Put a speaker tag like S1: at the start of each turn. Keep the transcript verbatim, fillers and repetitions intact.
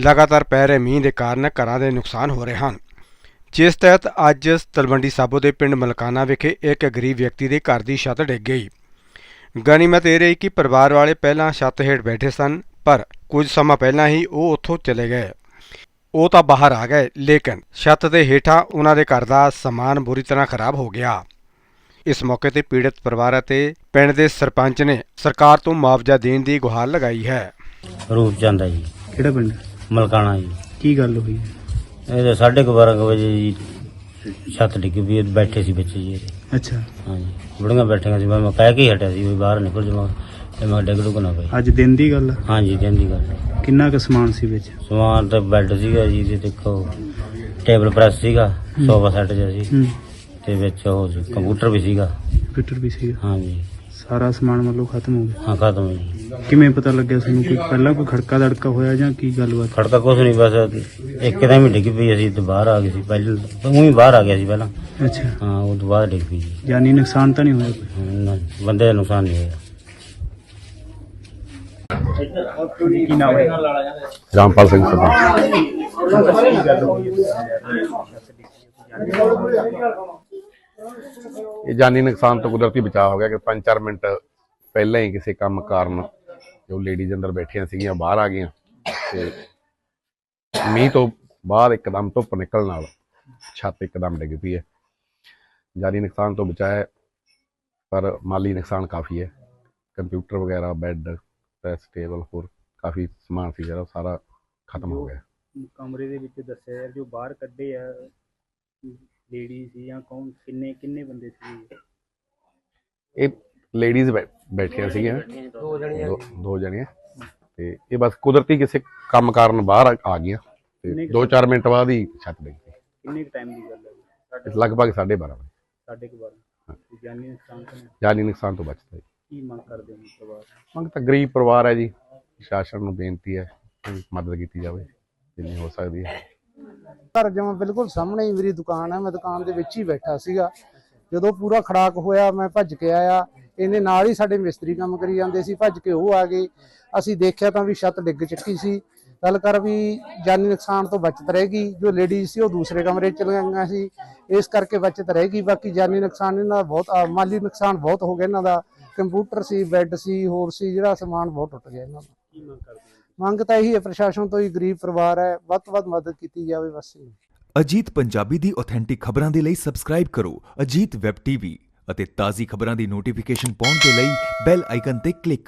S1: लगातार पै रहे मींह के कारण घरां दे नुकसान हो रहे हैं, जिस तहत अज तलवंडी साबो के पिंड मलकाना विखे एक गरीब व्यक्ति के घर की छत डिग गई। गनीमत यह रही कि परिवार वाले पहला छत हेठ बैठे सन, पर कुछ समा पहला ही वो उत्थों चले गए। वो तो बाहर आ गए, लेकिन छत के हेठा उन्होंने घर का समान बुरी तरह खराब हो गया। इस मौके ते पीड़ित परिवार ते पिंड के सरपंच ने सरकार तो मुआवजा देने की गुहार लगाई है।
S2: रूप चंद है जी,
S3: ਕਿਹੜਾ ਪਿੰਡ?
S2: मलकाना जी।
S3: ਕੀ ਗੱਲ ਹੋਈ ਹੈ?
S2: ਇਹ ਤਾਂ ਸਾਢੇ ਕੁ ਬਾਰਾਂ ਕੁ ਵਜੇ ਜੀ ਛੱਤ ਡਿੱਗ ਪਈ, ਬੈਠੇ ਸੀ ਵਿੱਚ ਜੀ ਇਹ।
S3: ਅੱਛਾ,
S2: ਹਾਂਜੀ, ਬੁੜੀਆਂ ਬੈਠੀਆਂ ਸੀ, ਮੈਂ ਮੈਂ ਕਹਿ ਕੇ ਹੀ ਹਟਿਆ ਸੀ ਵੀ ਬਾਹਰ ਨਿਕਲ ਜਾਵਾਂ ਤੇ ਮੈਂ ਡਿੱਗ ਡੁੱਗ ਨਾ ਪਈ।
S3: ਅੱਜ ਦਿਨ ਦੀ ਗੱਲ ਆ?
S2: ਹਾਂਜੀ, ਦਿਨ ਦੀ ਗੱਲ ਹੈ।
S3: ਕਿੰਨਾ ਕੁ ਸਮਾਨ ਸੀ ਵਿੱਚ?
S2: ਸਮਾਨ ਤਾਂ ਬੈੱਡ ਸੀਗਾ ਜੀ, ਤੇ ਦੇਖੋ ਟੇਬਲ ਪ੍ਰੈਸ ਸੀਗਾ, ਸੋਫਾ ਸੈੱਟ ਜਿਹਾ ਸੀ,
S3: ਹੂੰ,
S2: ਤੇ ਵਿੱਚ ਉਹ ਸੀ ਕੰਪਿਊਟਰ ਵੀ ਸੀਗਾ।
S3: ਕੰਪਿਊਟਰ ਵੀ ਸੀਗਾ?
S2: ਹਾਂਜੀ,
S3: ਸਾਰਾ ਸਮਾਨ ਮਤਲਬ ਖਤਮ ਹੋ ਗਿਆ?
S2: ਹਾਂ ਖਤਮ ਹੈ ਜੀ।
S3: ਕਿਵੇਂ ਪਤਾ ਲੱਗਿਆ ਤੁਹਾਨੂੰ? ਕੋਈ ਪਹਿਲਾਂ ਕੋਈ ਖੜਕਾ ਦੜਕਾ ਹੋਇਆ ਜਾਂ ਕੀ ਗੱਲਬਾਤ?
S2: ਖੜਕਾ ਕੁਛ ਨਹੀਂ, ਬਸ ਇੱਕਦਮ ਹੀ ਡਿੱਗ ਪਈ, ਅਸੀਂ ਤੇ ਬਾਹਰ ਆ ਗਏ ਸੀ। ਪਹਿਲਾਂ ਊਂ ਹੀ ਬਾਹਰ ਆ ਗਿਆ ਸੀ ਪਹਿਲਾਂ।
S3: ਅੱਛਾ,
S2: ਹਾਂ, ਉਹ ਤੋਂ ਬਾਅਦ ਡਿੱਗ ਪਈ ਜੀ।
S3: ਜਾਨੀ ਨੁਕਸਾਨ ਤਾਂ ਨਹੀਂ ਹੋਇਆ ਕੋਈ?
S2: ਨਾ, ਬੰਦੇ ਦਾ ਨੁਕਸਾਨ ਨਹੀਂ ਹੋਇਆ।
S3: ਕੀ ਨਾਮ ਹੈ?
S4: ਰਾਮਪਾਲ ਸਿੰਘ ਸਰਪੰਚ। ਇਹ ਜਾਨੀ ਨੁਕਸਾਨ ਤੋਂ ਕੁਦਰਤੀ ਬਚਾਅ ਹੋ ਗਿਆ ਕਿ ਪੰਜ ਚਾਰ ਮਿੰਟ ਪਹਿਲਾਂ ਹੀ ਕਿਸੇ ਕੰਮ ਕਾਰਨ ਜੋ ਲੇਡੀਜ਼ ਅੰਦਰ ਬੈਠੀਆਂ ਸੀਗੀਆਂ ਬਾਹਰ ਆ ਗਈਆਂ, ਤੇ ਮੀਂਹ ਤੋਂ ਬਾਅਦ ਇੱਕਦਮ ਧੁੱਪ ਨਿਕਲਣ ਨਾਲ ਛੱਤ ਇੱਕਦਮ ਡਿੱਗ ਪਈ ਹੈ। ਜਾਨੀ ਨੁਕਸਾਨ ਤੋਂ ਬਚਾਅ ਹੈ, ਪਰ ਮਾਲੀ ਨੁਕਸਾਨ ਕਾਫੀ ਹੈ। ਕੰਪਿਊਟਰ ਵਗੈਰਾ, ਬੈੱਡ, ਪ੍ਰੈਸ ਟੇਬਲ, ਹੋਰ ਕਾਫੀ ਸਮਾਨ ਸੀ ਜਿਹੜਾ ਸਾਰਾ ਖਤਮ ਹੋ ਗਿਆ।
S3: ਕਮਰੇ ਦੇ ਵਿੱਚ ਦੱਸਿਆ ਜੋ ਬਾਹਰ ਕੱਢੇ ਆ ਲੇਡੀ ਸੀ ਜਾਂ ਕੌਣ? ਕਿੰਨੇ ਕਿੰਨੇ ਬੰਦੇ ਸੀ?
S4: ਇਹ ਲੇਡੀਜ਼ ਬੈਠੀਆਂ ਸੀਗੀਆਂ, ਦੋ ਦੋ ਜਣੀਆਂ, ਤੇ ਇਹ ਬਸ ਕੁਦਰਤੀ ਕਿਸੇ ਕੰਮ ਕਾਰਨ ਬਾਹਰ ਆ- ਆ ਗਈਆਂ, ਤੇ ਦੋ ਚਾਰ ਮਿੰਟ ਬਾਅਦ ਹੀ ਛੱਤ ਡਿੱਗ ਪਈ।
S3: ਕਿੰਨੇ ਟਾਈਮ ਦੀ ਗੱਲ ਹੈ?
S4: ਇਸ ਲਗਭਗ ਸਾਢੇ ਬਾਰਾਂ ਵਜੇ।
S3: ਸਾਢੇ ਕੁ ਬਾਰਾਂ। ਜਾਨੀ ਨੁਕਸਾਨ ਤਾਂ ਨਹੀਂ?
S4: ਜਾਨੀ ਨੁਕਸਾਨ ਤੋਂ ਬਚਦਾ ਜੀ।
S3: ਕੀ ਮੰਗ ਕਰਦੇ ਹੋ ਪਰਿਵਾਰ?
S4: ਮੰਗ ਤਾਂ ਗਰੀਬ ਪਰਿਵਾਰ ਹੈ ਜੀ, ਪ੍ਰਸ਼ਾਸਨ ਨੂੰ ਬੇਨਤੀ ਹੈ ਕਿ ਮਦਦ ਕੀਤੀ ਜਾਵੇ ਜਿੰਨੀ ਹੋ ਸਕਦੀ ਹੈ।
S5: ਘਰ ਜਮਾਂ ਬਿਲਕੁਲ ਸਾਹਮਣੇ ਹੀ ਮੇਰੀ ਦੁਕਾਨ ਹੈ, ਮੈਂ ਦੁਕਾਨ ਦੇ ਵਿੱਚ ਹੀ ਬੈਠਾ ਸੀਗਾ। ਜਦੋਂ ਪੂਰਾ ਖੜਾਕ ਹੋਇਆ ਮੈਂ ਭੱਜ ਕੇ ਆਇਆ, ਇਹਨੇ ਨਾਲ ਹੀ ਸਾਡੇ ਮਿਸਤਰੀ ਕੰਮ ਕਰੀ ਜਾਂਦੇ ਸੀ, ਭੱਜ ਕੇ ਉਹ ਆ ਗਏ। ਅਸੀਂ ਦੇਖਿਆ ਤਾਂ ਵੀ ਛੱਤ ਡਿੱਗ ਚੁੱਕੀ ਸੀ। ਗੱਲ ਕਰ ਵੀ ਜਾਨੀ ਨੁਕਸਾਨ ਤੋਂ ਬਚਤ ਰਹੇਗੀ। ਜੋ ਲੇਡੀਜ਼ ਸੀ ਉਹ ਦੂਸਰੇ ਕਮਰੇ 'ਚ ਚਲੀਆਂ ਗਈਆਂ ਸੀ, ਇਸ ਕਰਕੇ ਬਚਤ ਰਹੇਗੀ। ਬਾਕੀ ਜਾਨੀ ਨੁਕਸਾਨ ਇਹਨਾਂ ਦਾ ਬਹੁਤ, ਮਾਲੀ ਨੁਕਸਾਨ ਬਹੁਤ ਹੋ ਗਿਆ ਇਹਨਾਂ ਦਾ। ਕੰਪਿਊਟਰ ਸੀ, ਬੈੱਡ ਸੀ, ਹੋਰ ਸੀ, ਜਿਹੜਾ ਸਮਾਨ ਬਹੁਤ ਟੁੱਟ ਗਿਆ ਇਹਨਾਂ ਦਾ।
S3: ਕੀ ਮੰਗ ਕਰਦੇ ਹੋ?
S5: ਮੰਗ ਤਾਂ ਇਹੀ ਹੈ ਪ੍ਰਸ਼ਾਸਨ ਤੋਂ ਹੀ, ਗਰੀਬ ਪਰਿਵਾਰ ਹੈ, ਵੱਧ ਤੋਂ ਵੱਧ ਮਦਦ ਕੀਤੀ ਜਾਵੇ ਬਸ।
S6: ਅਜੀਤ ਪੰਜਾਬੀ ਦੀ ਆਥੈਂਟਿਕ ਖਬਰਾਂ ਦੇ ਲਈ ਸਬਸਕ੍ਰਾਈਬ ਕਰੋ ਅਜੀਤ ਵੈਬ ਟੀਵੀ ਅਤੇ ਤਾਜ਼ੀ ਖਬਰਾਂ ਦੀ ਨੋਟੀਫਿਕੇਸ਼ਨ ਪਾਉਣ ਦੇ ਲਈ ਬੈਲ ਆਈਕਨ ਤੇ ਕਲਿੱਕ